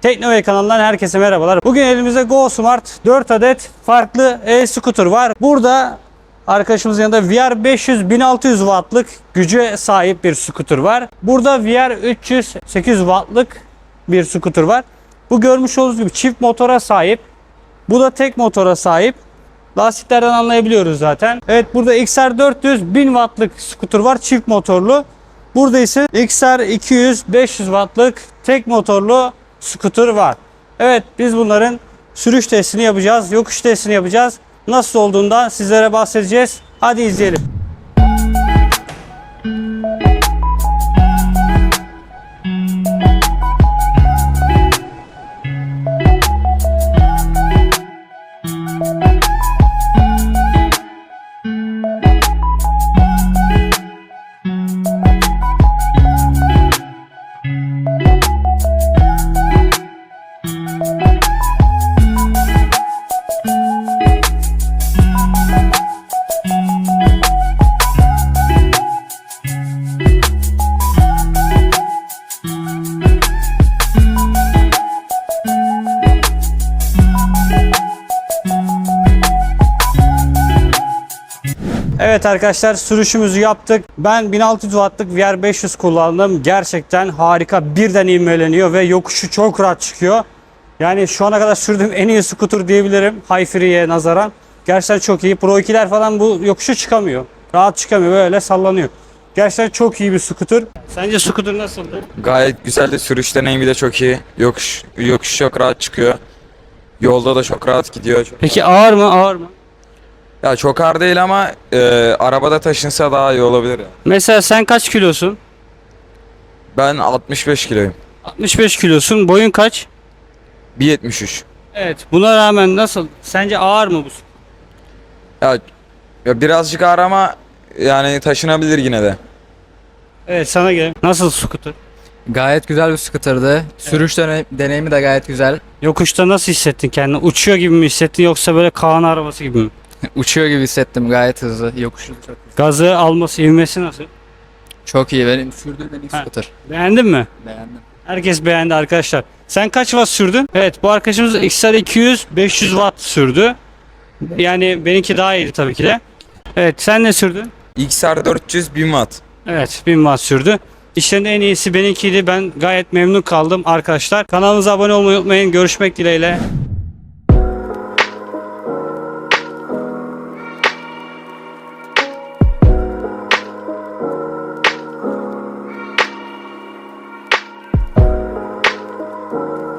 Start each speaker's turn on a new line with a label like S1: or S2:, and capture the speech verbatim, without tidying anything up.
S1: Teknovey kanalından herkese merhabalar. Bugün elimizde GoSmart dört adet farklı e-scooter var. Burada arkadaşımızın yanında V R beş yüz bin altı yüz wattlık güce sahip bir scooter var. Burada V R üç yüz sekiz yüz wattlık bir scooter var. Bu görmüş olduğunuz gibi çift motora sahip. Bu da tek motora sahip. Lastiklerden anlayabiliyoruz zaten. Evet, burada X R dört yüz bin wattlık scooter var, çift motorlu. Burada ise X R iki yüz beş yüz wattlık tek motorlu scooter var. Evet, biz bunların sürüş testini yapacağız, yokuş testini yapacağız. Nasıl olduğundan sizlere bahsedeceğiz. Hadi izleyelim. Evet arkadaşlar, sürüşümüzü yaptık. Ben bin altı yüz wattlık V R beş yüz kullandım. Gerçekten harika, birden ivmeleniyor ve yokuşu çok rahat çıkıyor. Yani şu ana kadar sürdüğüm en iyi scooter diyebilirim Hi-Free'ye nazaran. Gerçekten çok iyi. Pro ikiler falan bu yokuşu çıkamıyor. Rahat çıkamıyor, böyle sallanıyor. Gerçekten çok iyi bir scooter. Sence scooter nasıldı?
S2: Gayet güzeldi. Sürüş deneyimi de çok iyi. Yokuş, yokuş çok rahat çıkıyor. Yolda da çok rahat gidiyor.
S1: Peki ağır mı? Ağır mı?
S2: Ya çok ağır değil ama e, arabada taşınsa daha iyi olabilir ya.
S1: Mesela sen kaç kilosun?
S2: Ben altmış beş kiloyum.
S1: altmış beş kilosun. Boyun kaç?
S2: bir yetmiş üç.
S1: Evet. Buna rağmen nasıl? Sence ağır mı bu?
S2: Ya, ya birazcık ağır ama yani taşınabilir yine de.
S1: Evet, sana gelelim. Nasıl scooter?
S3: Gayet güzel bir scooter'dı. Sürüş dene- deneyimi de gayet güzel.
S1: Yokuşta nasıl hissettin kendini? Uçuyor gibi mi hissettin yoksa böyle Kaan arabası gibi mi?
S3: Uçuyor gibi hissettim, gayet hızlı. Yokuşu çok güzel.
S1: Gazı alması, ivmesi nasıl?
S3: Çok iyi, benim sürdüğüm en iyi
S1: Ha.
S3: scooter.
S1: Beğendin mi?
S3: Beğendim.
S1: Herkes beğendi arkadaşlar. Sen kaç watt sürdün? Evet, bu arkadaşımız X R iki yüz beş yüz watt sürdü. Yani benimki daha iyiydi tabii ki de. Evet, sen ne sürdün?
S2: X R dört yüz bin watt.
S1: Evet, bin watt sürdü. İşlerinde en iyisi benimkiydi. Ben gayet memnun kaldım arkadaşlar. Kanalımıza abone olmayı unutmayın. Görüşmek dileğiyle.